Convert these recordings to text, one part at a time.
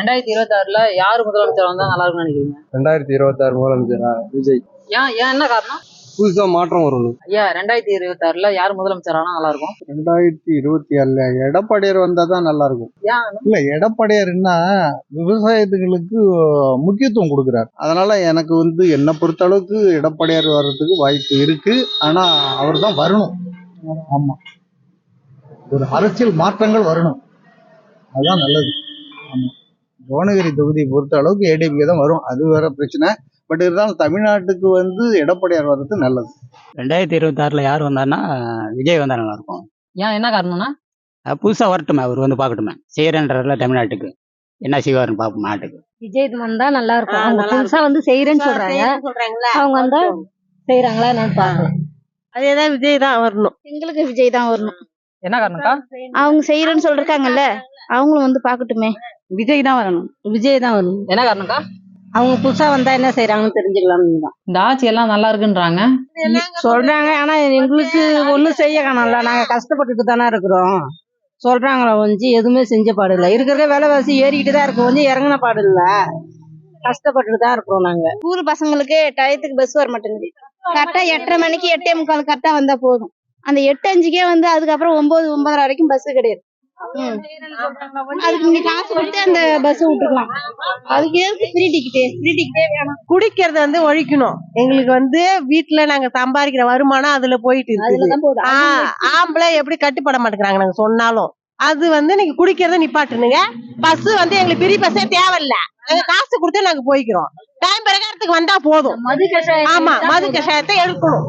2026ல யாரு முதலமைச்சர் வந்தா நல்லா இருக்கும்னு நினைக்கிறீங்க? 2026 முதலமைச்சரா? விஜய். ஏன் ஏன் என்ன காரணம்? புதுசா மாற்றம் வரணும். ஐயா 2026ல யார் முதலமைச்சர் ஆனா நல்லா இருக்கும்? 2026ல எடப்பாடியார் வந்தாதான் நல்லா இருக்கும். ஏன்? இல்ல, எடப்பாடியார்னா விவசாயத்துகளுக்கு முக்கியத்துவம் கொடுக்குறாரு. அதனால எனக்கு என்னை பொறுத்த அளவுக்கு எடப்பாடியார் வர்றதுக்கு வாய்ப்பு இருக்கு. ஆனா அவர் தான் வரணும். ஆமா, ஒரு அரசியல் மாற்றங்கள் வரணும், அதுதான் நல்லது. ஆமா, புவனகிரி தொகுதியை பொறுத்த அளவுக்கு ஏடிஎம்கே தான் வரும், அது வேற பிரச்சனை. பட் இருந்தாலும் தமிழ்நாட்டுக்கு எடப்பாடியார் வர்றது நல்லது. 2026ல யார் வந்தாருன்னா விஜய் வந்தா நல்லா இருக்கும். ஏன் என்ன காரணம்னா? புதுசா வரட்டுமே, அவர் பார்க்கட்டுமே, செய்யறன்றதுல தமிழ்நாட்டுக்கு என்ன செய்வாருன்னு பார்ப்போம். நாட்டுக்கு விஜய் வந்தா நல்லா இருக்கும். அவங்க புதுசா செய்யறேன்னு சொல்றாங்க, அவங்க வந்தா செய்யறாங்களா என்னன்னு பாக்கலாம். அதேதான், விஜய் தான் வரணும். எங்களுக்கு விஜய் தான் வரணும். என்ன காரணம்க்கா? அவங்க செய்யறேன்னு சொல்றாங்கல்ல, அவங்களும் பாக்கட்டுமே. விஜய் தான் வரணும். விஜய் தான் வரணும். என்ன காரணம்க்கா? அவங்க புதுசா வந்தா என்ன செய்யறாங்கன்னு தெரிஞ்சுக்கலாம்னு தான். இந்த ஆட்சி எல்லாம் நல்லா இருக்குன்றாங்க சொல்றாங்க, ஆனா எங்களுக்கு ஒண்ணும் செய்ய காணல. நாங்க கஷ்டப்பட்டுட்டு தானே இருக்கிறோம். சொல்றாங்களா எதுவுமே செஞ்ச பாடு இல்ல. இருக்கிற விலைவாசி ஏறிக்கிட்டு தான் இருக்கு, இறங்கின பாடு இல்ல. கஷ்டப்பட்டுட்டு தான் இருக்கிறோம் நாங்க. ஸ்கூல் பசங்களுக்கு டயத்துக்கு பஸ் வர மாட்டேங்குது. கரெக்டா 8:30 மணிக்கு 8:45 கரெக்டா வந்தா போதும். அந்த 8:05க்கே அதுக்கப்புறம் 9, 9:30 வரைக்கும் பஸ் கிடையாது. அதுக்கு நீங்க காசு கொடுத்து அந்த பஸ் விட்டுக்கலாம். அதுக்கு எதுக்கு ஃப்ரீ டிக்கெட்டே வேணாம். குடிக்கிறது ஒழிக்கணும். எங்களுக்கு வீட்டுல நாங்க சம்பாதிக்கிற வருமானம் அதுல போயிட்டு இருக்கு. ஆம்பளை எப்படி கட்டுப்பட மாட்டேங்கிறாங்க நாங்க சொன்னாலும். அது நீங்க குடிக்கிறத நிப்பாட்டுனுங்க. பஸ் எங்களுக்கு பெரிய பஸ்ஸே தேவையில்ல. நாங்க காசு கொடுத்து நாங்க போய்க்கிறோம். டைம் பிரகாரத்துக்கு வந்தா போதும். ஆமா, மது கஷாயத்தை எடுக்கணும்.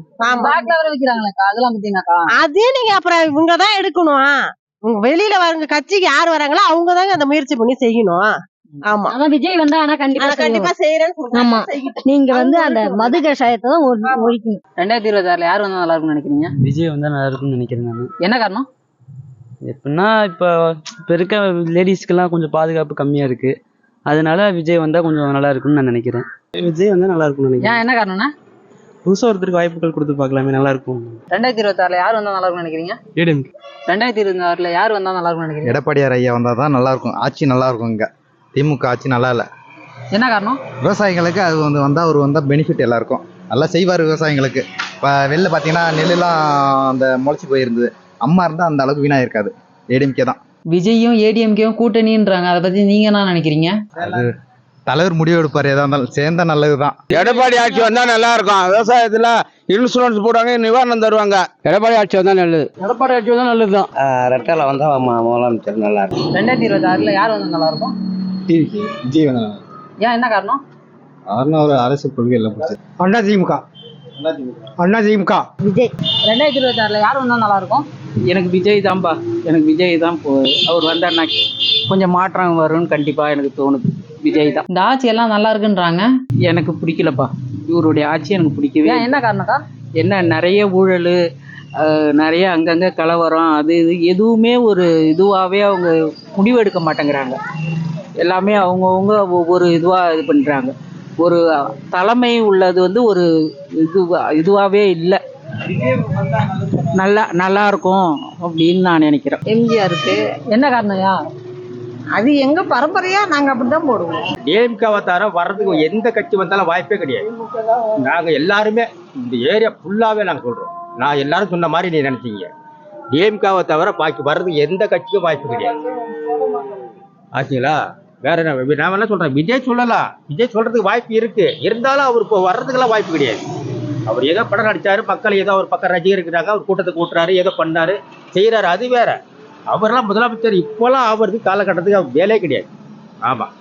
அதே நீங்க அப்புறம் இவங்கதான் எடுக்கணும். வெளியில வரவங்க கட்சிக்கு யாரு வராங்களோ அவங்கதாங்க அந்த முயற்சி பண்ணி செய்யணும். ஆமா, விஜய் வந்தா ஆனா கண்டிப்பா செய்யறேன்னு. ஆமா, நீங்க அந்த மது கஷாயத்தை தான் ஒழிக்கணும். 2026ல யார் வந்தா நல்லா இருக்கும்னு நினைக்கிறீங்க? விஜய் வந்தா நல்லா இருக்கும்னு நினைக்கிறேன் நான். என்ன காரணம்? எப்படின்னா இப்போ இருக்க லேடிஸ்க்கெல்லாம் கொஞ்சம் பாதுகாப்பு கம்மியா இருக்கு, அதனால விஜய் வந்தா கொஞ்சம் நல்லா இருக்கும்னு நான் நினைக்கிறேன். விஜய் வந்தா நல்லா இருக்கும்னு நினைக்கிறேன். ஏன் என்ன காரணம்னா? புதுசா ஒருத்தருக்கு வாய்ப்புகள் கொடுத்து பார்க்கலாமே, நல்லா இருக்கும். 2026ல யார் வந்தா நல்லா இருக்கும்னு நினைக்கிறீங்க? 2026ல யார் வந்தா நல்லா இருக்கும்னு நினைக்கிறீங்க? எடப்பாடியார் ஐயா வந்தாதான் நல்லா இருக்கும். ஆட்சி நல்லா இருக்கும். இங்க திமுக ஆட்சி நல்லா இல்ல. என்ன காரணம்? விவசாயிகளுக்கு அது அவர் வந்தா பெனிஃபிட் எல்லாருக்கும் நல்லா செய்வார். விவசாயிகளுக்கு இப்போ வெளில பார்த்தீங்கன்னா நெல்லுலாம் முளைச்சி போயிருந்தது. அம்மா இருந்தால் அந்த அளவுக்கு வீணா இருக்காது. ஏடிஎம்கே தான். விஜயும் ஏடிஎம்கேவும் கூட்டணின்றாங்க, அதை பத்தி நீங்க என்ன நினைக்கிறீங்க? அது தலைவர் முடிவு எடுப்பார், எதா இருந்தாலும் சேர்ந்தா நல்லதுதான். எடப்பாடி ஆட்சி வந்தா நல்லா இருக்கும். விவசாயத்துல இன்சூரன்ஸ் போடுவாங்க, நிவாரணம் தருவாங்க. எடப்பாடி ஆட்சி வந்தா நல்லது. எடப்பாடி ஆட்சி வந்தா நல்லதுதான். ரெட்டல வந்தா முதலமைச்சர் நல்லா இருக்கும். 2026ல யார் வந்தா நல்லா இருக்கும்? விஜய் வந்தா. ஏன் என்ன காரணம்? ஒரு அரசு கொள்கை எல்லாம் அண்ணா திமுக. விஜய். 2026ல யார் வந்தா நல்லா இருக்கும்? எனக்கு விஜய் தான்பா. எனக்கு விஜய் தான். அவர் வந்தாருன்னா கொஞ்சம் மாற்றம் வரும்னு கண்டிப்பா எனக்கு தோணுது. விஜய் தான். இந்த ஆட்சி எல்லாம் நல்லா இருக்குன்றாங்க, எனக்கு பிடிக்கலப்பா. இவருடைய ஆட்சி எனக்கு பிடிக்கவே. என்ன காரணக்கா? என்ன நிறைய ஊழல், நிறைய அங்கங்க கலவரம், அது இது எதுவுமே ஒரு இதுவாகவே அவங்க முடிவெடுக்க மாட்டேங்கிறாங்க. எல்லாமே அவங்கவுங்க ஒவ்வொரு இதுவாக இது பண்ணுறாங்க. ஒரு தலைமை உள்ளது ஒரு இதுவாகவே இல்லை. நல்லா இருக்கும் அப்படின்னு நான் நினைக்கிறேன். எம்ஜிஆருக்கு என்ன காரணம்யா? அது எங்க பரம்பரையா நாங்க அப்படிதான் போடுவோம். டிஎம்கேவை தவிர வர்றதுக்கு எந்த கட்சி வந்தாலும் வாய்ப்பே கிடையாது. நாங்க எல்லாருமே இந்த ஏரியா ஃபுல்லாவே நாங்க சொல்றோம். நான் எல்லாரும் சொன்ன மாதிரி நீ நினைச்சீங்க. டிஎம்கேவை தவிர பாக்கி வர்றதுக்கு எந்த கட்சிக்கும் வாய்ப்பு கிடையாது. ஆச்சுங்களா? வேற என்ன நான் என்ன சொல்றேன், விஜய் சொல்லலாம். விஜய் சொல்றதுக்கு வாய்ப்பு இருக்கு, இருந்தாலும் அவர் இப்போ வர்றதுக்கெல்லாம் வாய்ப்பு கிடையாது. அவர் ஏதோ படம் நடிச்சாரு, மக்கள் ஏதோ ஒரு பக்கம் ரசிகர் இருக்கிறாங்க, அவர் கூட்டத்தை கூட்டுறாரு, ஏதோ பண்ணாரு செய்யறாரு, அது வேற. அவரெல்லாம் முதலமைச்சர் இப்போலாம் அவருக்கு காலகட்டத்துக்கு அவர் வேலையே கிடையாது. ஆமா.